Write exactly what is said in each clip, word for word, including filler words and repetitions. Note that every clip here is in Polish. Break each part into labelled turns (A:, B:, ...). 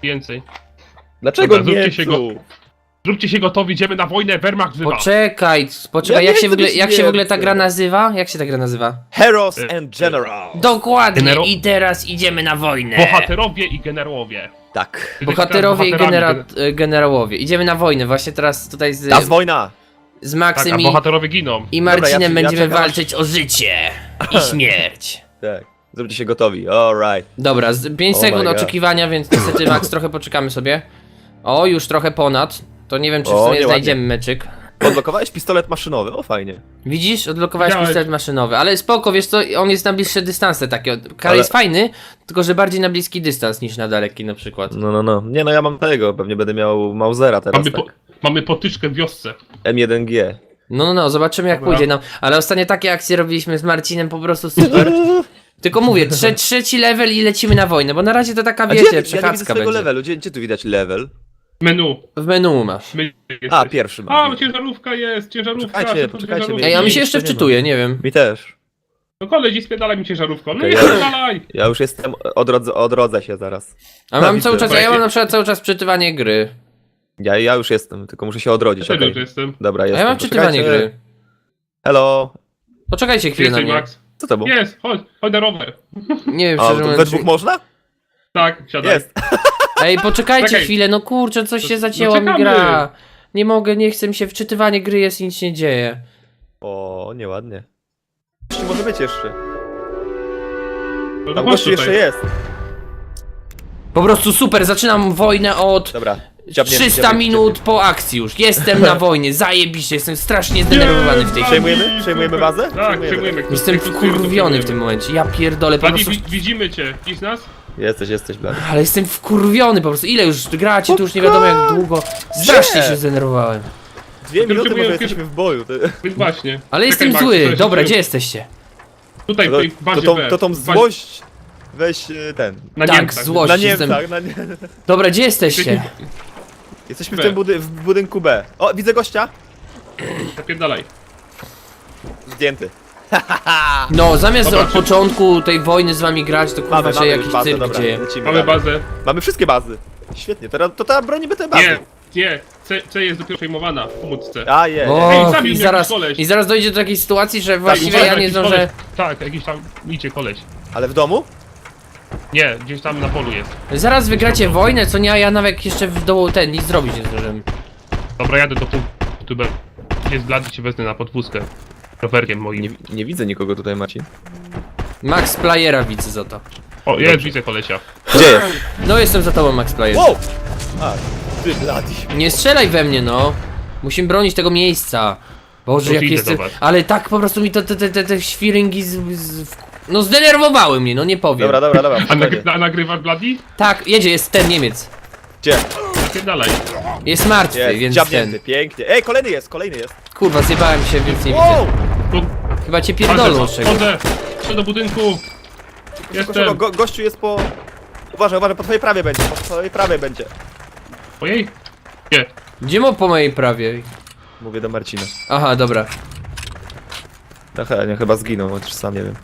A: Więcej.
B: Dlaczego
A: Dobra,
B: nie
A: zróbcie się go-
B: tu?
A: Zróbcie się gotowi, idziemy na wojnę, Wehrmacht wzywa.
C: Poczekaj, poczekaj,
B: Ja
C: jak
B: nie
C: się w
B: chcę
C: ogóle,
B: być
C: jak się w ogóle ta
B: Niemcem.
C: gra nazywa? Jak się ta gra nazywa?
B: Heroes
A: Y,
B: and Generals.
C: Dokładnie,
A: Genero-
C: i teraz idziemy na wojnę.
A: Bohaterowie i generałowie.
B: Tak.
C: Bohaterowie i
A: Bohaterami,
C: genera e, generałowie. Idziemy na wojnę, właśnie teraz tutaj z,
B: Ta wojna.
C: z
A: Tak,
C: Maksym
A: a
C: i,
A: bohaterowie giną.
C: i
B: Dobra,
C: Marcinem
B: ja- ja
C: będziemy
B: czekam, aż-
C: walczyć o życie i śmierć.
B: Tak. Zróbcie się gotowi. Alright.
C: Dobra, pięć
B: Oh my
C: sekund
B: God.
C: oczekiwania, więc niestety Max trochę poczekamy sobie. O, już trochę ponad. To nie wiem, czy w
B: O,
C: sumie
B: nieładnie.
C: znajdziemy meczyk.
B: Odblokowałeś pistolet maszynowy, o fajnie.
C: Widzisz? Odblokowałeś
A: Widziałeś.
C: pistolet maszynowy, ale spoko, wiesz co, on jest na bliższe dystanse takie. Kar
B: Ale-
C: jest fajny, tylko że bardziej na bliski dystans niż na daleki na przykład.
B: No, no, no. Nie no, ja mam tego, pewnie będę miał Mausera teraz,
A: Mamy,
B: tak.
A: po, mamy potyczkę w wiosce.
B: M jeden G.
C: No, no, no, zobaczymy jak
A: Dobra.
C: pójdzie. No, ale ostatnio takie akcje robiliśmy z Marcinem, po prostu super. Tylko mówię, trze trzeci level i lecimy na wojnę, bo na razie to taka,
B: A gdzie,
C: wiecie,
B: ja nie widzę
C: przechadzka
B: swojego
C: będzie.
B: levelu, gdzie, gdzie tu widać level?
A: Menu.
C: W menu masz.
A: My
B: A, pierwszy mam.
A: A, ciężarówka jest, ciężarówka.
B: Poczekajcie,
A: szybko
B: poczekajcie,
A: ciężarówka.
C: Ej, a mi
B: nic
C: się jeszcze
B: tu nie ma.
C: wczytuje, nie wiem.
B: Mi też.
A: No koleś, i spierdalaj mi ciężarówką. No
B: Okej,
A: nie
B: ja-
A: spierdalaj!
B: Ja już jestem, odrodzę, odrodzę się zaraz.
C: A mam
B: widzę.
C: cały czas, a ja
A: Słuchajcie.
C: mam na przykład cały czas wczytywanie gry.
B: Ja, ja już jestem, tylko muszę się odrodzić,
A: Ja
B: okej.
A: już jestem.
B: Dobra,
C: A
B: jestem.
C: ja mam wczytywanie
B: Poczekajcie.
C: gry.
B: Hello.
C: Poczekajcie chwilę na
A: Jesteś,
C: mnie.
A: Max?
B: Co to było?
A: Jest, chodź, chodź na rower.
C: Nie wiem,
B: A,
C: szczerze
B: to we
C: mówiąc.
B: dwóch można?
A: Tak, siadaj.
B: Jest.
C: Ej, poczekajcie
A: Czekaj.
C: chwilę, no kurczę, coś
A: No-
C: się
A: no
C: zacięła mi
A: czekamy.
C: gra. Nie mogę, nie chcę mi się, wczytywanie gry jest i nic się nie dzieje.
B: O, nieładnie. Jeszcze może być jeszcze.
A: No,
B: Tam
A: chodź
B: gościu
A: tutaj.
B: jeszcze jest.
C: Po prostu super, zaczynam wojnę od
B: Dobra. Dziabnięty,
C: trzysta
B: dziabnięty,
C: minut
B: dziabnięty.
C: po akcji już. Jestem na wojnie, zajebiście, jestem strasznie zdenerwowany w tej chwili.
B: Przejmujemy? Przejmujemy bazę?
A: Tak,
B: Przejmujemy.
A: przejmujemy.
C: Jestem wkurwiony w tym momencie, ja pierdolę po
A: Buddy,
C: prostu.
A: wi widzimy cię. Widzisz nas?
B: Jesteś, jesteś, blady.
C: Ale jestem wkurwiony po prostu, ile już gracie, tu już nie wiadomo jak długo. Strasznie
B: Gdzie?
C: się zdenerwowałem.
B: Dwie
A: To
B: minuty
A: próbuję
B: może
A: pier-
B: jesteśmy w boju. To,
A: Więc właśnie.
C: Ale
A: Czekaj,
C: jestem
A: Max,
C: zły,
A: tutaj
C: dobra,
A: się-
C: gdzie jesteście?
A: Tutaj,
B: to,
A: w tej
B: to,
A: bazie
B: tą,
A: B.
B: to tą
A: W bazie-
B: złość weź e, ten.
A: Na
C: Tak,
A: Niemcach.
C: złość.
B: Na
C: jestem-
B: Niemcach, na nie...
C: Dobra, gdzie jesteście?
B: Jesteśmy w
A: B.
B: tym budy w budynku B. O, widzę gościa.
A: Zapierdalaj.
B: Zdjęty.
C: No, zamiast
A: Dobra,
C: od
A: czy-
C: początku tej wojny z wami grać, to kurwa
B: Mamy,
C: się
B: mamy
C: jakiś
B: już bazę,
C: cyrk
B: dobra,
C: dzieje.
B: lecimy
A: Mamy
B: dalej.
A: bazę.
B: Mamy wszystkie bazy. Świetnie, teraz to ta bronimy te bazy.
A: Nie, nie. C, C jest dopiero przejmowana w pomódce.
B: A, je, je.
C: O,
A: Ej, zabił
C: i
A: mnie
C: zaraz,
A: jakiś koleś.
C: i zaraz dojdzie do takiej sytuacji, że właściwie
A: Uwaga,
C: ja nie
A: jakiś
C: zdążę...
A: koleś. Tak, jakiś tam idzie koleś.
B: Ale w domu?
A: Nie, gdzieś tam na polu jest.
C: Zaraz wygracie wojnę, co nie, a ja nawet jeszcze w dołu ten, nic zrobić nie zdążyłem.
A: Dobra, jadę do punktu B. Jest blady, cię wezmę na podwózkę. Rowerkiem moim.
B: Nie, nie widzę nikogo tutaj, Marcin.
C: Max Playera widzę za to.
A: O, jest, widzę kolesia.
B: Gdzie jest?
C: No jestem za tobą, Max Player.
B: Wow! A, ty blady.
C: Nie strzelaj we mnie, no. Musimy bronić tego miejsca. Boże,
A: No
C: jak
A: idę
C: jest...
A: do was.
C: Ale tak po prostu mi to te, te, te, te świryngi z, z... No zdenerwowały mnie, no nie powiem.
B: Dobra, dobra, dobra.
A: A
B: spokojnie.
A: nagry na, nagrywasz blady?
C: Tak, jedzie, jest ten Niemiec.
B: Gdzie?
A: Zapierdalaj.
C: Jest martwy,
B: Jest,
C: więc
B: dziabnięty,
C: ten...
B: pięknie. Ej, kolejny jest, kolejny jest.
C: Kurwa, zjebałem się, więc nie
B: Wow!
C: widzę.
A: Tu,
C: Chyba cię pierdolą z
A: chodzę,
C: czegoś.
A: chodzę. Chodź do budynku.
B: Szybko,
A: Jestem.
B: go, gościu jest po... Uważaj, uważaj, po twojej prawej będzie, po twojej prawej będzie.
A: Ojej. Nie.
C: Gdzie mu po mojej prawie?
B: Mówię do Marcina.
C: Aha, dobra.
B: No he, nie, chyba zginął, chociaż sam nie wiem.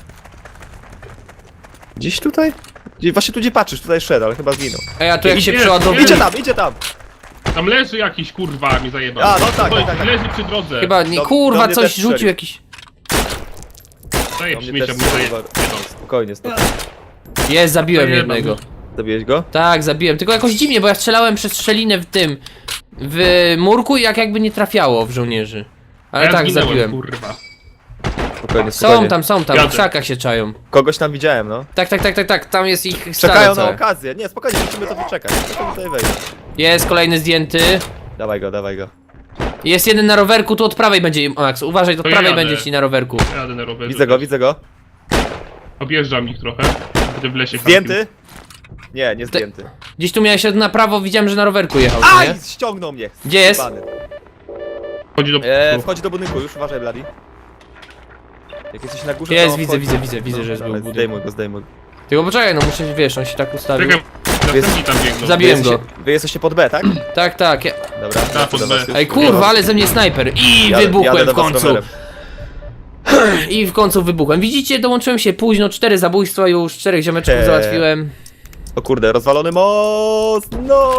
B: Gdzieś tutaj? Gdzie, właśnie tu gdzie patrzysz, tutaj szedł, ale chyba zginął.
C: Ej, a tu jak
A: Idzie,
C: się
A: idzie.
C: przeładowuje...
B: Idzie tam, idzie tam!
A: Tam leży jakiś kurwa, mi zajebał.
B: A, no tak,
A: Stoi,
B: tak, tak, tak.
A: Leży przy drodze.
C: Chyba nie,
B: Do-
C: kurwa,
B: do mnie
C: coś
B: też
C: rzucił
B: strzelił.
C: jakiś...
A: Daję
B: Do mnie
A: śmiecia,
B: też
A: mi zajebał.
B: Spokojnie, spokojnie.
C: Jest, zabiłem
A: Zajebał.
C: jednego.
B: Zabiłeś go?
C: Tak, zabiłem, tylko jakoś dziwnie, bo ja strzelałem przez szczelinę w tym... W murku i jak jakby nie trafiało w żołnierzy. Ale
A: Ja
C: tak,
A: zginąłem,
C: zabiłem.
A: kurwa.
B: Spokojnie, spokojnie.
C: Są tam, są tam, w
A: Jadę.
C: krzakach się czają.
B: Kogoś tam widziałem, no.
C: Tak, tak, tak, tak, tak, tam jest ich
B: Czekają
C: stado
B: na
C: całe.
B: okazję. Nie, spokojnie, musimy to wyczekać. Musimy tutaj wejść.
C: Jest kolejny zdjęty.
B: Dawaj go, dawaj go.
C: Jest jeden na rowerku, tu od prawej będzie, Max, uważaj, od
A: To ja
C: prawej
A: jadę.
C: będzie ci na rowerku.
A: Jadę na rowerze.
B: Widzę go, widzę go.
A: Objeżdżam ich trochę. Będę w lesie
B: Zdjęty? Nie, nie zdjęty.
C: Gdzieś tu miałeś na prawo, widziałem, że na rowerku jechał,
B: Aj!
C: nie?
B: Ściągnął mnie!
C: Gdzie jest?
B: Zjebany.
A: kampił. Chodzi do...
B: Eee, wchodzi do budynku, już uważaj, Bladi. Jak jesteś na górze,
C: Jest,
B: to
C: widzę,
B: wchodzi.
C: widzę, widzę, widzę, że jest
B: ale
C: był budynek.
B: zdejmuj go, zdejmuj go.
C: Tylko poczekaj, no muszę, wiesz, on się tak ustawił.
A: Czekaj, następni tam biegną.
C: Zabi-
B: Wy
C: Zabiłem
B: jesteście,
C: go.
B: wy jesteście pod B, tak?
C: Tak, tak. Ja...
B: Dobra,
A: Tak,
B: lecę
A: pod
B: do
A: B.
B: was już.
C: Ej, kurwa, ale ze mnie snajper. I
B: Jadę-
C: wybuchłem
B: jadę do
C: w
B: was
C: końcu.
B: rowerem.
C: I w końcu wybuchłem. Widzicie, dołączyłem się późno, cztery zabójstwa już, czterech ziomeczków
B: Eee.
C: załatwiłem.
B: O kurde, rozwalony most! No!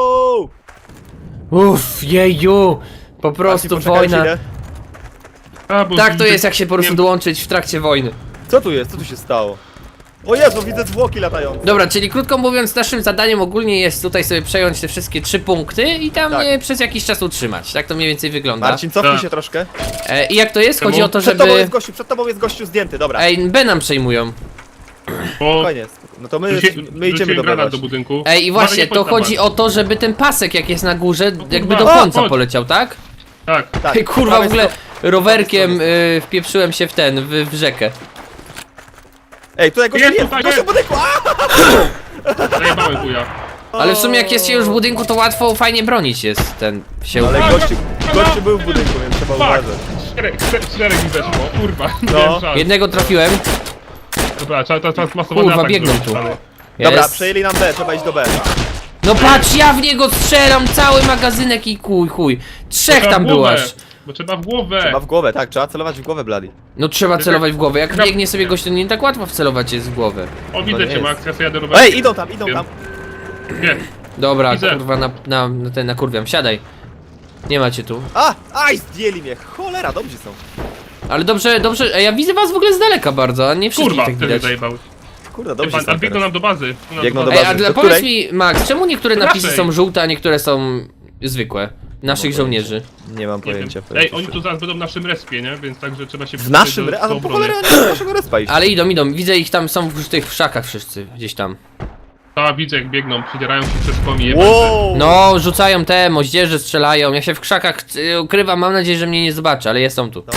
C: Uff, jeju! Po prostu
B: Marcin, poczekaj
C: wojna.
B: chwilę.
A: A, bo
C: Tak to
A: widzę-
C: jest, jak się po prostu
A: nie-
C: dołączyć w trakcie wojny.
B: Co tu jest? Co tu się stało? O Jezu, widzę zwłoki latające.
C: Dobra, czyli krótko mówiąc, naszym zadaniem ogólnie jest tutaj sobie przejąć te wszystkie trzy punkty i tam
B: Tak.
C: je przez jakiś czas utrzymać. Tak to mniej więcej wygląda.
B: Marcin, cofnij
A: Tak.
B: się troszkę.
C: E, I jak to jest? Chodzi
A: Czemu?
C: o to,
B: Przed tobą
C: żeby...
B: jest gościu, przed tobą jest gościu zdjęty, dobra.
C: Ej, B nam przejmują.
A: Bo
B: Spokojnie. No to my,
A: rzuci-
B: my idziemy
A: rzuciłem
B: do
A: granat
B: B
A: do budynku.
C: Ej, i właśnie,
A: Uważaj, nie
C: to
A: chodź na
C: chodzi
A: pas.
C: o to, żeby ten pasek, jak jest na górze, jakby do
A: kurwa.
C: końca
A: O, chodź.
C: poleciał, tak?
A: Tak.
B: Tak,
C: Ej, kurwa, w
B: prawej
C: ogóle
B: stro-
C: rowerkiem y, wpieprzyłem się w ten, w, w rzekę.
B: Ej, tutaj gościu
A: Jest
B: jest,
A: tutaj,
B: gościu w
A: jest.
B: budynku! A!
A: Zajebałem chuja.
C: Ale w sumie jak jest się już w budynku, to łatwo, fajnie bronić jest ten się.
B: Ale gościu, gościu był w budynku, więc trzeba
A: Fuck!
B: uważać.
A: Czterech, czterech, czterech mi weszło, kurwa. Nie
B: No.
A: miałem szans.
C: Jednego trafiłem.
A: Dobra, trzeba teraz teraz masowany
C: Kurwa,
A: atak
C: biegną
A: zrobić,
C: tu.
A: ale-
B: Dobra,
C: Jest.
B: przejęli nam B, trzeba iść do B.
C: No patrz, ja w niego strzelam cały magazynek i kuj, chuj. Trzech
A: Trzeba
C: tam
A: w
C: było
A: głowę,
C: aż.
A: Bo trzeba w głowę.
B: Trzeba w głowę, tak, trzeba celować w głowę, Bladi.
C: No trzeba celować w głowę. Jak
A: Trzeba-
C: biegnie sobie gość, to nie tak łatwo wcelować jest w głowę.
A: O,
B: No
A: widzę
B: nie
A: cię,
B: jest.
A: Max, ja sobie jadę rowerem.
B: Ej, idą tam, idą tam.
A: Nie,
C: Dobra,
A: Widzę.
C: kurwa, na, na, na ten nakurwiam, siadaj. Nie macie tu.
B: A, aj, zdjęli mnie, cholera, dobrzy są.
C: Ale dobrze, dobrze, ej, ja widzę was w ogóle z daleka bardzo, a nie wszystkich
A: kurwa,
C: tak
A: wtedy
C: widać.
A: zajebałeś.
B: Kurde, dobrzy
A: Pan,
B: są
A: ale biegną
B: teraz.
A: nam do bazy. Nam
B: Biegną do
C: Ej,
B: bazy.
C: a dla,
B: Do
C: powiedz
B: której?
C: mi, Max, czemu niektóre napisy
A: Naszej.
C: są żółte, a niektóre są zwykłe? Naszych
B: No,
C: żołnierzy.
B: Nie mam
A: Nie wiem.
B: pojęcia.
A: Ej,
B: pojęcia.
A: oni tu zaraz będą w naszym respie, nie? Więc także trzeba się...
B: W naszym,
A: do-
B: re... a
A: do
B: no po
A: obrony.
B: cholerę oni do naszego respa iść.
C: Ale idą, idą, widzę ich tam, są w tych krzakach wszyscy, gdzieś tam.
A: A, widzę jak biegną, przedzierają się przez komi.
B: Wow!
C: No, rzucają te, moździerze strzelają, ja się w krzakach y, ukrywam, mam nadzieję, że mnie nie zobaczy, ale jest on tu.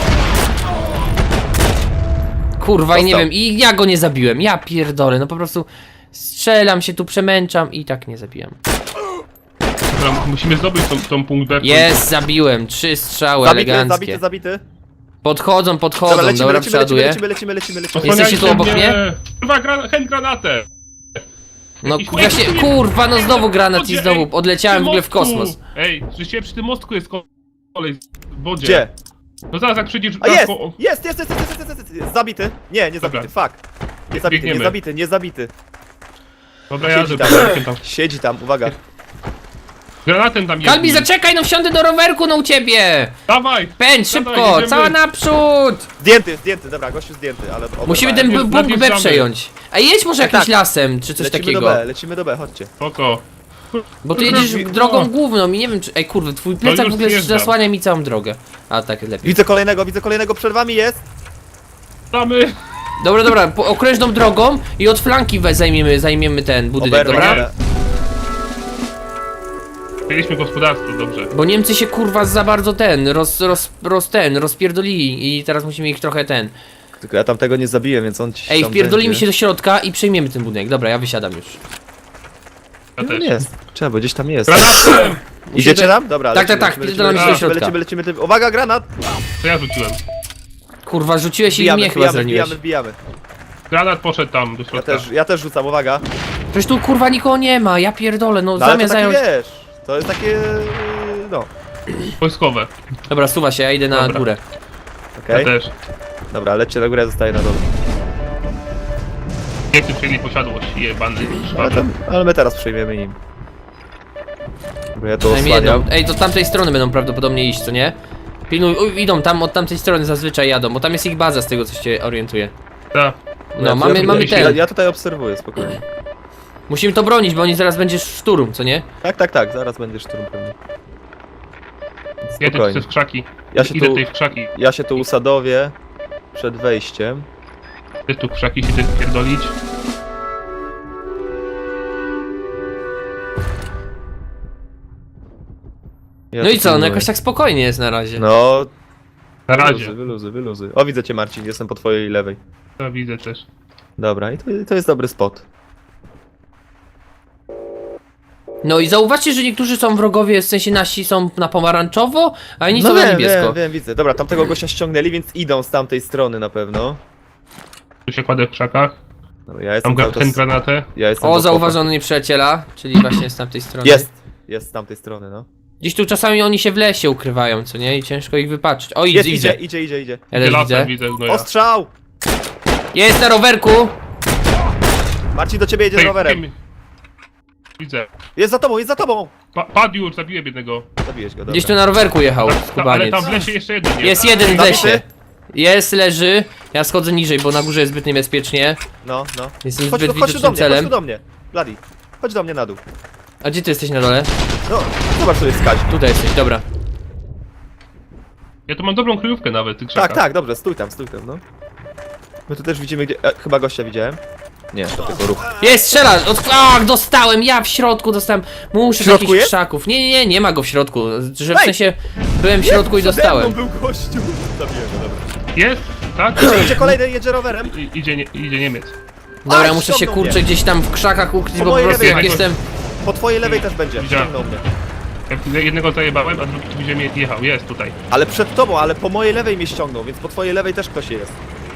C: Kurwa, i nie
B: Dostał.
C: wiem, i ja go nie zabiłem, ja pierdolę, no po prostu strzelam się tu, przemęczam i tak nie zabijam.
A: Dobra, musimy zdobyć tą, tą punkt B.
C: Jest, zabiłem, trzy strzały
B: Zabity,
C: eleganckie.
B: zabity, zabity.
C: Podchodzą, podchodzą,
B: Dobra,
C: dobra,
B: lecimy, lecimy,
C: przeładuję.
B: lecimy, lecimy, lecimy, lecimy.
C: Jesteście tu obok mnie?
A: Kurwa, gra, chęć granatę!
C: No
A: Jakiś
C: ja się,
A: chuj-
C: kurwa, no znowu granat i
A: Ej,
C: znowu
A: przy
C: odleciałem w ogóle w
A: mostku!
C: kosmos.
A: Ej, przecież przy tym mostku jest ko- kolej w wodzie.
B: Gdzie?
A: No zaraz jak przyjdziesz...
B: A jest!
A: po-
B: Jest, jest, jest, jest, jest, jest, jest, jest. Zabity. Nie, nie zabity, fuck. Nie zabity, nie
A: Biegniemy.
B: zabity, nie zabity.
A: Dobra, jadę
B: Siedzi
A: tam.
B: tam.
A: tam.
B: Siedzi tam, uwaga.
A: Granatem tam
C: Kalbi,
A: jedni.
C: zaczekaj, no wsiądę do rowerku, no u ciebie!
A: Dawaj!
C: Pędź,
A: Dawaj,
C: szybko,
A: jedziemy.
C: cała naprzód!
B: Zdjęty, zdjęty, dobra, gościu zdjęty, ale...
C: Musimy
B: oberwałem.
C: ten
A: Najpierw-
C: b- punkt B
A: najpierw
C: przejąć. A jedź może
B: Tak,
C: jakimś
B: tak.
C: lasem, czy coś
B: Lecimy
C: takiego.
B: do B, lecimy do B, chodźcie.
A: Spoko.
C: Bo tu
A: Kurwa,
C: jedziesz
A: no.
C: drogą główną i nie wiem czy... Ej kurde, twój plecak
A: już
C: w ogóle
A: zjeżdżam.
C: zasłania mi całą drogę. A tak, lepiej.
B: Widzę kolejnego, widzę kolejnego, przed wami jest.
A: Damy!
C: Dobra, dobra, po okrężną drogą i od flanki we zajmiemy, zajmiemy ten budynek,
B: Oberwę,
C: dobra?
B: ale-
A: Mieliśmy gospodarstwo, dobrze.
C: Bo Niemcy się kurwa za bardzo ten, roz, roz, roz ten, rozpierdolili i teraz musimy ich trochę ten.
B: Tylko ja tam tego nie zabiję, więc on ci
C: Ej,
B: tam
C: wpierdolimy
B: będzie.
C: się do środka i przejmiemy ten budynek. Dobra, ja wysiadam już.
A: Ja
B: No
A: też.
B: nie jest, trzeba, bo gdzieś tam jest.
A: Granatem!
B: Idziecie tam? Dobra,
C: Tak,
B: lecimy,
C: tak, tak,
B: lecimy,
C: wpierdolamy
B: lecimy,
A: się do
B: lecimy,
C: środka.
B: lecimy, lecimy, uwaga, granat!
A: To ja rzuciłem.
C: Kurwa, rzuciłeś i
B: Wbijamy,
C: mnie chyba
B: wbijamy,
C: zraniłeś.
B: wbijamy, wbijamy.
A: Granat poszedł tam do
B: Ja
A: środka.
B: też, ja też rzucam, uwaga.
C: Przecież tu kurwa nikogo nie ma, ja pierdolę, no
B: No, ale to
C: zamiast
B: takie,
C: zająć...
B: wiesz, to jest takie, no,
A: Wojskowe.
C: Dobra, suwa się, ja idę na
A: Dobra.
C: górę.
B: okej.
A: Ja też.
B: Dobra, lećcie na górę, ja zostaję na dole.
A: Niemcy przyjęli posiadłość, jebany.
B: Ale, tam, ale my teraz przejmiemy im. Dobra, ja to
C: Przynajmniej jedną.
B: osłaniam.
C: Ej, to tamtej strony będą prawdopodobnie iść, co nie? Pilnuj, uj, idą tam, od tamtej strony zazwyczaj jadą, bo tam jest ich baza z tego co się orientuje.
A: Tak.
C: No,
B: Ja-
C: mamy,
B: ja,
C: mamy
B: ja,
C: ten.
B: ja tutaj obserwuję, spokojnie.
C: Musimy to bronić, bo oni zaraz będzie szturm, co nie?
B: Tak, tak, tak, zaraz będzie szturm pewnie.
A: Jedę
B: Spokojnie.
A: przez krzaki.
B: Ja się
A: Idę
B: tu,
A: tutaj w krzaki.
B: ja się tu usadowię przed wejściem.
A: Ty tu w krzaki się ty pierdolić.
B: Ja
C: No
B: tu
C: i co, no
B: pilnuję.
C: jakoś tak spokojnie jest na razie.
B: No,
A: Na razie.
B: wyluzy, wyluzy, wyluzy. O, widzę cię, Marcin, jestem po twojej lewej.
A: To widzę też.
B: Dobra, i to, to jest dobry spot.
C: No i zauważcie, że niektórzy są wrogowie, w sensie nasi są na pomarańczowo, a inni są na
B: No wiem,
C: niebiesko.
B: wiem, wiem, widzę. Dobra, tamtego gościa ściągnęli, więc idą z tamtej strony na pewno.
A: Tu się kładę w krzakach.
B: Dobra, ja jestem
A: Tam
B: cały
A: gra- ten
B: czas,
A: granatę.
B: ja jestem
C: O,
B: do
C: zauważony nieprzyjaciela, czyli właśnie z tamtej strony.
B: Jest! Jest z tamtej strony, no.
C: Gdzieś tu czasami oni się w lesie ukrywają, co nie? I ciężko ich wypatrzeć. O, idzie,
B: Jest,
C: idzie.
B: idzie, idzie, idzie, idzie.
C: Ja też
A: Lasem
C: widzę.
A: widzę gnoja.
B: Ostrzał!
C: Jest na rowerku!
B: Marcin do ciebie jedzie z
A: Ej,
B: rowerem.
A: wiem. Widzę.
B: Jest za tobą, jest za tobą!
A: Pa padł już, zabiłem jednego.
B: Zabiłeś go, dobra.
C: Gdzieś tu na rowerku jechał,
A: Ta, ale
C: skubaniec.
A: tam w lesie jeszcze jeden jest.
C: Jest jeden w
B: Zabity?
C: lesie. Jest, leży. Ja schodzę niżej, bo na górze jest zbyt niebezpiecznie.
B: No, no.
C: Jestem
B: Chodź,
C: zbyt
B: tu- chodź tu do
C: widocznym
B: mnie, chodź
C: celem.
B: tu do mnie. Bloody. Chodź do mnie na dół.
C: A gdzie ty jesteś na dole?
B: No, zobacz, tu jest skać.
C: Tutaj jesteś, dobra.
A: Ja tu mam dobrą kryjówkę nawet w tych krzakach.
B: Tak, tak, dobrze, stój tam, stój tam, no. My tu też widzimy, gdzie... E, chyba gościa widziałem. Nie, to tylko ruch.
C: Jest, strzela! Od... Ach, dostałem! Ja w środku dostałem. Muszę
B: W środku
C: takich
B: jest?
C: krzaków. Nie, nie, nie, nie ma go w środku. Że w
B: Ej!
C: sensie byłem w środku i
B: Przede
C: dostałem.
B: mną był gościu. Zabiłem go, dobra.
A: Jest? Tak?
B: Idzie kolejny, jedzie rowerem.
A: I, idzie, nie, idzie Niemiec.
C: Dobra,
B: Aj,
C: muszę się
B: ściągnął
C: kurczę
B: mnie.
C: gdzieś tam w krzakach ukryć,
B: Po
C: bo po
B: mojej
C: prostu
B: lewej
C: jak
A: jakoś.
C: jestem.
B: Po twojej lewej też będzie.
A: Widziałem.
B: Ściągnął mnie.
A: Ja jednego zajebałem, a drugi tu ziemię jechał. Jest tutaj.
B: Ale przed tobą, ale po mojej lewej mnie ściągnął, więc po twojej lewej też ktoś jest.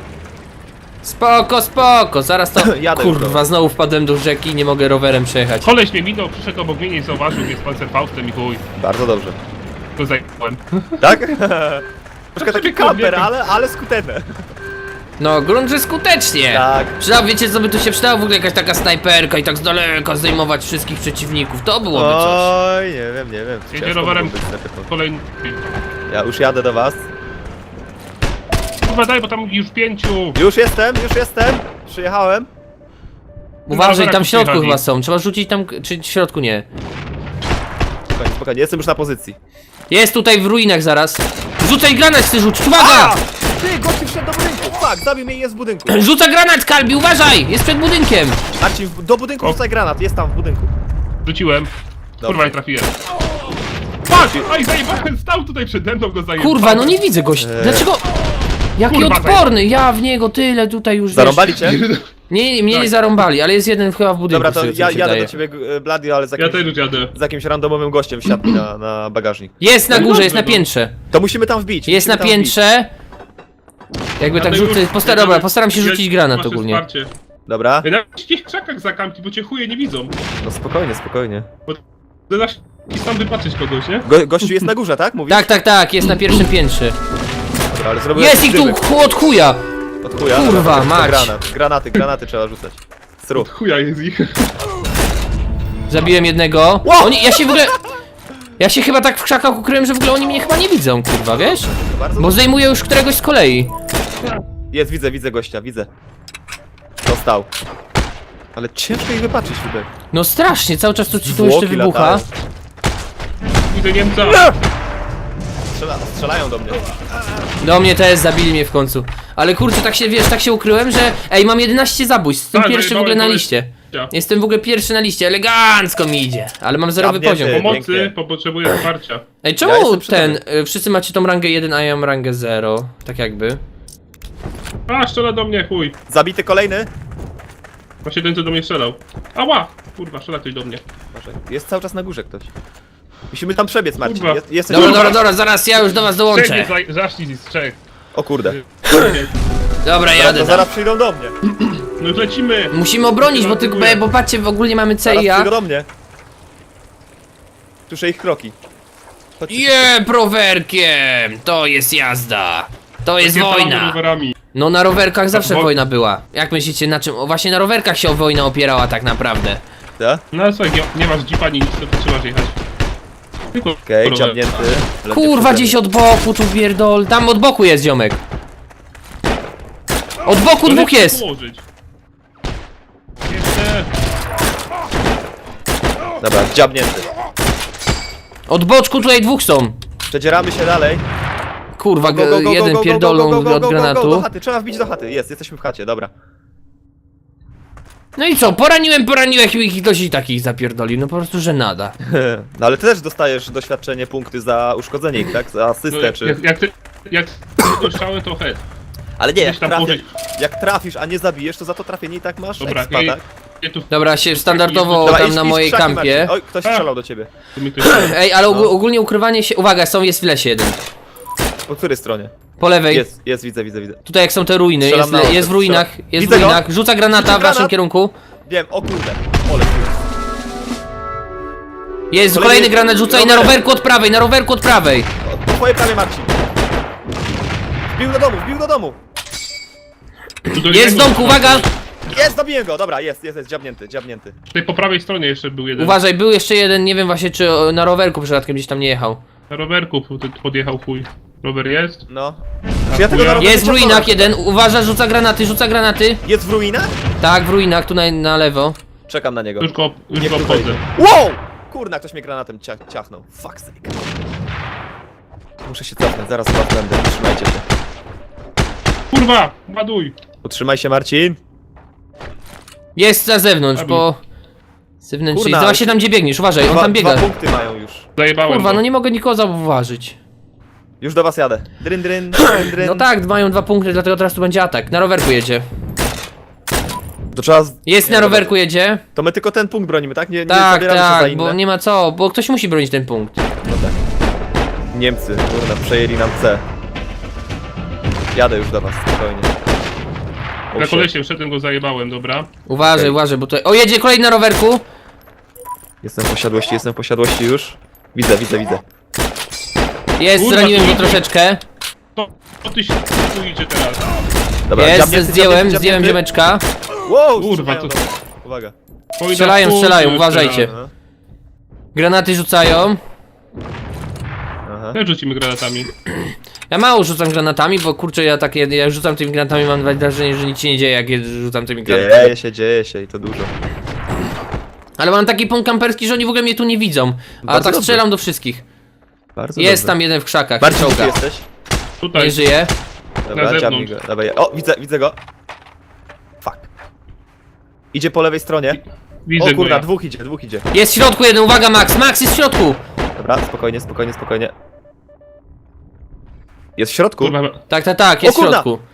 C: Spoko, spoko, zaraz to.
B: Jadę już,
C: Kurwa,
B: dobra.
C: znowu wpadłem do rzeki i nie mogę rowerem przejechać.
A: Koleś mnie minął, przyszedł obok mnie, nie zauważył mnie z pancerfaustem i chuj.
B: Bardzo dobrze.
A: Go zajebałem.
B: Tak? Troszkę taki
A: sobie
B: kamper,
A: kobiety.
B: ale, ale skuteczne.
C: No, grunt, że skutecznie.
B: Tak.
C: Przydał, wiecie co by tu się przydało? W ogóle jakaś taka snajperka i tak z daleka zdejmować wszystkich przeciwników. To byłoby coś.
B: Oj, nie wiem, nie wiem.
A: Jedzie
B: Ciężko
A: rowerem.
B: mogło być snajperką.
A: Kolejny.
B: Ja już jadę do was.
A: Kurwa daj, bo tam już pięciu.
B: Już jestem, już jestem. Przyjechałem.
C: Uważaj, tam w środku
A: przyjechali.
C: chyba są. Trzeba rzucić tam, czy w środku nie.
B: Spokojnie, spokojnie, jestem już na pozycji.
C: Jest tutaj w ruinach zaraz. Rzucaj granat, chcę rzucić, uwaga!
B: A! Ty, gościu wszedł do budynku. Fuck, zabił mnie i jest w budynku.
C: Rzuca granat, Kalbi, uważaj! Jest przed budynkiem.
B: Marcin, w- do budynku
A: O.
B: rzucaj granat, jest tam w budynku.
A: Rzuciłem. Kurwa
B: Dobrze.
A: nie trafiłem. Patrz! Aj, zajebałem, stał tutaj przede mną, go zajebałem.
C: Kurwa, no nie widzę gościa.
B: Eee.
C: Dlaczego? Jaki
A: Kurwa,
C: odporny, ja w niego tyle tutaj już wiesz.
B: Zarąbali cię?
C: Nie, mnie nie
A: Tak.
C: zarąbali, ale jest jeden chyba w budynku.
B: Dobra, to
C: z tego, co
B: ja
C: mi się
B: jadę
C: wydaje.
B: do ciebie, e, Blady, ale z
A: Ja
B: jakimś,
A: też już jadę.
B: z jakimś randomowym gościem wsiadł mi na, na bagażnik.
C: Jest na
A: No
C: górze,
A: dobrze,
C: jest na
A: no.
C: piętrze.
B: To musimy tam wbić.
C: Jest na
B: musimy tam wbić.
C: piętrze. Jakby tak
A: Ja
C: rzucę.
A: już-
C: Postaram,
A: ja-
C: dobra, postaram się
A: ja-
C: rzucić granat
A: masz
C: ogólnie.
A: wsparcie.
B: Dobra,
A: Ja na wszystkich krzakach zakampi, bo cię chuje nie widzą.
B: no spokojnie, spokojnie.
A: To dasz i sam wypatrzeć kogoś, nie?
B: Go, gościu jest na górze, tak? Mówisz?
C: Tak, tak, tak, jest na pierwszym piętrze.
B: Dobra, ale zrobiłem
C: Jest ich tu
B: dymek.
C: chu- od chuja.
B: Od chuja.
C: Kurwa,
B: Dobra, to
C: mać.
B: Granat, granaty, granaty trzeba rzucać. Sru.
A: Chuja jest ich.
C: Zabiłem jednego.
B: Wow!
C: Oni, ja się w ogóle. Ja się chyba tak w krzakach ukryłem, że w ogóle oni mnie chyba nie widzą, kurwa, wiesz?
B: To bardzo
C: Bo zdejmuję już któregoś z kolei.
B: Jest, widzę, widzę gościa, widzę. Dostał. Ale ciężko ich wypatrzeć tutaj.
C: No strasznie, cały czas tu, tu jeszcze
B: Zwłoki
C: wybucha.
B: latają.
A: Widzę Niemca.
B: Strzela, strzelają do mnie.
C: Do mnie też zabili mnie w końcu. Ale kurczę, tak się, wiesz, tak się ukryłem, że... Ej, mam jedenaście zabójstw, jestem
A: Tak,
C: pierwszy w ogóle na
A: zajebałem
C: liście.
A: gościa.
C: Jestem w ogóle pierwszy na liście, elegancko mi idzie. Ale mam zerowy
B: Zamknięty.
C: poziom.
A: Pomocy,
B: Pięknie.
A: bo potrzebuję wsparcia.
C: Ej,
B: Ja
C: czemu
B: jestem przy
C: ten... y, wszyscy macie tą rangę jeden, a ja mam rangę zero? Tak jakby.
A: A, strzela do mnie, chuj.
B: Zabity kolejny.
A: Właśnie ten, co do mnie strzelał. Ała! Kurwa, strzela ktoś do mnie.
B: Może jest cały czas na górze ktoś. Musimy tam przebiec, Marcin.
A: Kurwa.
B: Jest, jesteś
C: Dobra,
B: na-
C: dobra, dobra, zaraz ja już do was dołączę.
A: Trzech mnie za- zaszli z trzech.
B: O kurde.
C: Dobra,
B: Zaraz,
C: jadę
B: to
C: tam.
B: zaraz przyjdą do mnie.
A: No już lecimy!
C: Musimy obronić, bo tylko, bo patrzcie, w ogóle mamy C
B: Zaraz
C: i A.
B: przyjdą do mnie. Słyszę ich kroki. Chodźcie.
C: Je, prowerkiem! To jest jazda! To jest
A: Takie
C: wojna!
A: tam rowerami.
C: No na rowerkach zawsze
A: wo-
C: wojna była. Jak myślicie, na czym? O, właśnie na rowerkach się o wojna opierała tak naprawdę.
B: Tak?
A: No ale słuchaj, nie, nie masz jeepa, ani nic, to trzymasz jechać. Tylko
B: Okej,
A: rower.
B: dziabnięty. Ledwie
C: Kurwa,
B: przede
C: gdzieś
B: mną.
C: od boku tu pierdol. Tam od boku jest ziomek. Od boku
A: To
C: dwóch
A: lepiej
C: jest.
A: położyć. Jeszcze.
B: Dobra, dziabnięty.
C: Od boczku tutaj dwóch są.
B: Przedzieramy się dalej.
C: Kurwa,
B: Go, go, go, go,
C: jeden
B: go, go,
C: pierdolną
B: go, go, go,
C: od
B: go, go, go,
C: granatu.
B: Do chaty, trzeba wbić do chaty. Jest, jesteśmy w chacie, dobra.
C: No i co, poraniłem, poraniłem ich i ktoś i takich zapierdolił. No po prostu, że nada.
B: No ale ty też dostajesz doświadczenie, punkty za uszkodzenie ich, tak? Za
A: No,
B: asystę,
A: jak,
B: czy...
A: jak, jak, ty, jak to strzałem, to head.
B: Ale nie, jak,
A: Gdzieś tam
B: trafisz,
A: położyć.
B: jak trafisz, a nie zabijesz, to za to trafienie i tak masz
A: Dobra,
B: expa,
A: ja,
B: tak?
A: ja tu
C: Dobra, się standardowo
B: Dobra,
C: tam
B: idź-
C: na
B: idź w
C: mojej
B: krzaki,
C: kampie.
B: Marcin. Oj, ktoś strzelał do ciebie.
A: tu mi ktoś
C: Ej, ale og
B: No.
C: ogólnie ukrywanie się... Uwaga, są, jest w lesie jeden.
B: Po której stronie?
C: Po lewej.
B: Jest, jest, widzę, widzę, widzę.
C: Tutaj jak są te ruiny,
B: Strzelam
C: jest,
B: na
C: le-
B: oko,
C: jest w ruinach,
B: strzelam.
C: jest w
B: Widzę go.
C: ruinach. Rzuca granata
B: Rzuca
C: w waszym
B: granat.
C: kierunku.
B: Wiem, o kurde. Ole, kurde.
C: Jest
B: Kolejny-
C: kolejny granat, rzuca i na
B: rowerem.
C: rowerku od prawej, na rowerku od prawej.
B: Po twojej prawie, Marcin. Wbił do domu, wbił do domu.
A: Tu do
C: Jest w
A: jednego
C: domku, uwaga!
B: Jest, zabiję go, dobra, jest, jest, jest, dziabnięty, dziabnięty.
A: Tutaj po prawej stronie jeszcze był jeden.
C: Uważaj, był jeszcze jeden, nie wiem właśnie czy o, na rowerku przypadkiem gdzieś tam nie jechał.
A: Na rowerku pod- podjechał chuj. Rower jest?
B: No. Czy ja tego na rowerze
C: Jest w
B: ciągnąłem?
C: ruinach jeden, uważaj, rzuca granaty, rzuca granaty.
B: Jest w ruinach?
C: Tak, w ruinach, tu na, na lewo.
B: Czekam na niego.
A: Już go, już
B: Nie
A: go
B: próbuj.
A: obchodzę.
B: Wow! Kurna, ktoś mnie granatem cia ciachnął. Fuck sake. Muszę się cofnąć, zaraz was będę. Utrzymajcie się.
A: Kurwa! Ładuj!
B: Utrzymaj się, Marcin.
C: Jest na zewnątrz,
A: Zabił.
C: po... Zewnętrznej,
B: Kurna,
C: zobacz się tam gdzie biegniesz, uważaj, on
B: Dwa,
C: tam biega.
B: dwa punkty mają już.
A: Zajebałem
C: Kurwa,
A: go.
C: no nie mogę nikogo zauważyć.
B: Już do was jadę. Dryn, dryn, dryn, dryn.
C: No tak, mają dwa punkty, dlatego teraz tu będzie atak. Na rowerku jedzie.
B: To trzeba... z-
C: Jest
B: nie,
C: na
B: dobra.
C: rowerku jedzie.
B: To my tylko ten punkt bronimy, tak? Nie, nie
C: Tak,
B: zabieramy się za
C: tak,
B: inne.
C: bo nie ma co, bo ktoś musi bronić ten punkt.
B: No tak. Niemcy, kurna, przejęli nam C. Jadę już do was, spokojnie. O,
A: Na
B: shit.
A: kolesiem szedłem, go zajebałem, dobra.
C: Uważaj,
B: Okej.
C: uważaj, bo tutaj... O, jedzie kolejny na rowerku.
B: Jestem w posiadłości, jestem w posiadłości już. Widzę, widzę, widzę.
C: Jest,
A: Kurwa,
C: zraniłem
A: tu
C: go
A: idzie.
C: troszeczkę.
A: To, to ty się tu idzie teraz.
B: Dobra,
C: Jest,
B: dziabnięty,
C: zdjąłem,
B: dziabnięty,
C: zdjąłem
B: dziabnięty.
C: ziomeczka.
B: Wow,
A: Kurwa,
B: strzelają
A: to-
B: do mnie. Uwaga.
A: Pójdę
C: Strzelają,
A: w pół,
C: strzelają,
A: już
C: uważajcie.
A: teraz.
B: Aha.
C: Granaty rzucają.
B: Aha.
A: Jak rzucimy granatami?
C: Ja mało rzucam granatami, bo kurczę, ja takie, ja rzucam tymi granatami, mam wrażenie, że nic się nie dzieje, jak je rzucam tymi granatami.
B: Dzieje się, dzieje się i to dużo.
C: Ale mam taki punkt kamperski, że oni w ogóle mnie tu nie widzą. A
B: Bardzo
C: tak
B: dobrze.
C: strzelam do wszystkich.
B: Bardzo
C: Jest
B: dobrze.
C: tam jeden w krzakach,
B: Bardziej gdzie ty
C: czołga.
B: jesteś?
A: Tutaj.
C: Nie żyje.
B: Dobra,
A: Na
B: dziabnij
A: zewnątrz.
B: go. Dawaj. O, widzę, widzę go. Fuck. Idzie po lewej stronie.
A: Widzę
B: O
A: go
B: kurna,
A: ja.
B: dwóch idzie, dwóch idzie.
C: Jest w środku jeden, uwaga Max, Max jest w środku!
B: Dobra, spokojnie, spokojnie, spokojnie. Jest w środku?
A: Kurwa,
C: Tak, tak, tak, jest
B: O
C: w
B: kurna!
C: środku.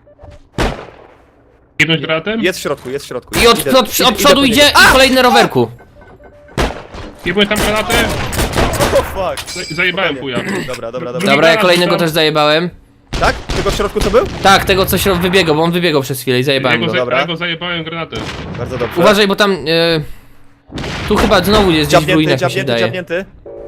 A: jedność granatem?
B: Jest w środku, jest w środku.
C: I od,
B: Idę-
C: od, od,
B: idę-
C: od przodu
B: po
C: idzie
B: niego.
C: i kolejny na rowerku.
A: Jebłeś tam granatem?
B: O fuck.
A: Zaj- Zajebałem chuja.
B: Dobra, dobra, dobra.
A: Drugi
C: Dobra, ja
A: granat
C: kolejnego
A: rzucam.
C: też zajebałem.
B: Tak? Tylko w środku to był?
C: Tak, tego coś wybiegał, bo on wybiegał przez chwilę i
A: Ja
C: zajebałem
A: go,
C: go.
A: za-
B: dobra.
A: ja go zajebałem granatem.
B: Bardzo dobrze.
C: Uważaj, bo tam... E, tu chyba znowu jest gdzieś w
B: Dziabnięty,
C: ruinach, mi się
B: dziabnięty,
C: wydaje.
B: dziabnięty.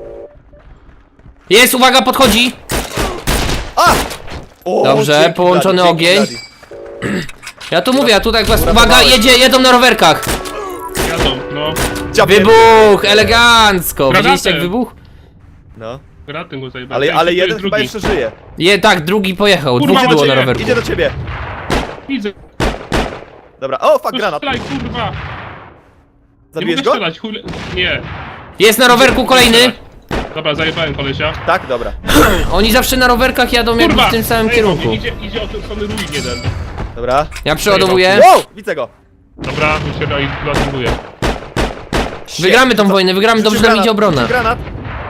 C: Jest, uwaga, podchodzi!
B: A! O,
C: Dobrze,
B: dzięki,
C: połączony
B: Blady, dzięki,
C: ogień.
B: Blady.
C: Ja tu mówię, ja tutaj was... Uwaga,
B: Uratowałeś.
C: jedzie, jedą na rowerkach!
A: Jadą, no.
B: Dziabnięty.
C: Wybuch, elegancko!
A: Granatem.
C: Widzieliście jak wybuch?
B: No.
A: Granatem go zajebałem.
B: Ale,
A: Ten
B: ale
A: tu
B: jeden
A: jest
B: chyba
A: drugi.
B: jeszcze żyje.
C: Je, tak, drugi pojechał,
A: Kurwa,
C: dwóch było na
A: macie-
C: rowerku.
B: Idzie do ciebie.
A: Widzę.
B: Dobra, o fuck,
A: No
B: granat.
A: strzelaj, kurwa. Nie
B: Zabijesz
A: mogę
B: go?
A: strzelać, chuj... le- Nie.
C: Jest na rowerku kolejny!
A: Dobra, zajebałem kolesia.
B: Tak, dobra.
C: Oni zawsze na rowerkach jadą jakby
A: Kurwa!
C: w tym samym
A: zajebał
C: kierunku.
A: mnie, Idzie, idzie od strony ruin jeden.
B: Dobra.
C: Ja przeładowuję.
B: Wow, widzę go.
A: Dobra, już się realizuję.
C: Wygramy tą wojnę, wygramy, dobrze
B: Rzucił
C: nam idzie
B: granat,
C: obrona.
B: rzucił Granat.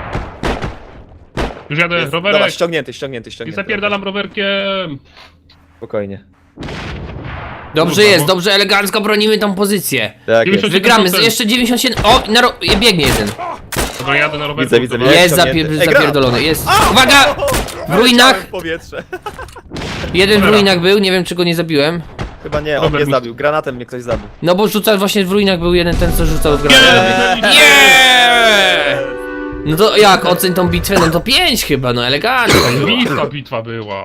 A: Już jadę
B: Jest, dobra,
A: rowerek.
B: ściągnięty, ściągnięty,
A: I
B: ściągnięty.
A: zapierdalam rowerkiem.
B: Spokojnie.
C: Dobrze
A: Kurwa,
C: jest,
A: bo-
C: dobrze, elegancko bronimy tą pozycję.
B: Tak jest.
A: dziewięćdziesiąt
C: Wygramy, z-
A: procent.
C: jeszcze dziewięćdziesiąt siedem. O, na ro... biegnie jeden.
A: Dobra, jadę na rowerku.
B: Widzę, widzę,
A: dobra.
B: widzę.
C: Jest
B: ściągnięty.
C: zapier...
B: Ej, granat!
C: zapierdolony, jest. Uwaga! W ruinach.
B: W powietrze.
C: Jeden w
A: Cholera.
C: ruinach był, nie wiem czy go nie zabiłem.
B: Chyba nie, on
A: Robert
B: mnie
A: mi-
B: zabił. Granatem mnie ktoś zabił.
C: No bo rzucał właśnie w ruinach był jeden ten co rzucał od
A: Nie,
C: granatu.
A: widzę, widzę.
C: No to jak, oceń tą bitwę? No to pięć chyba, no elegancko.
A: Bitwa, bitwa była.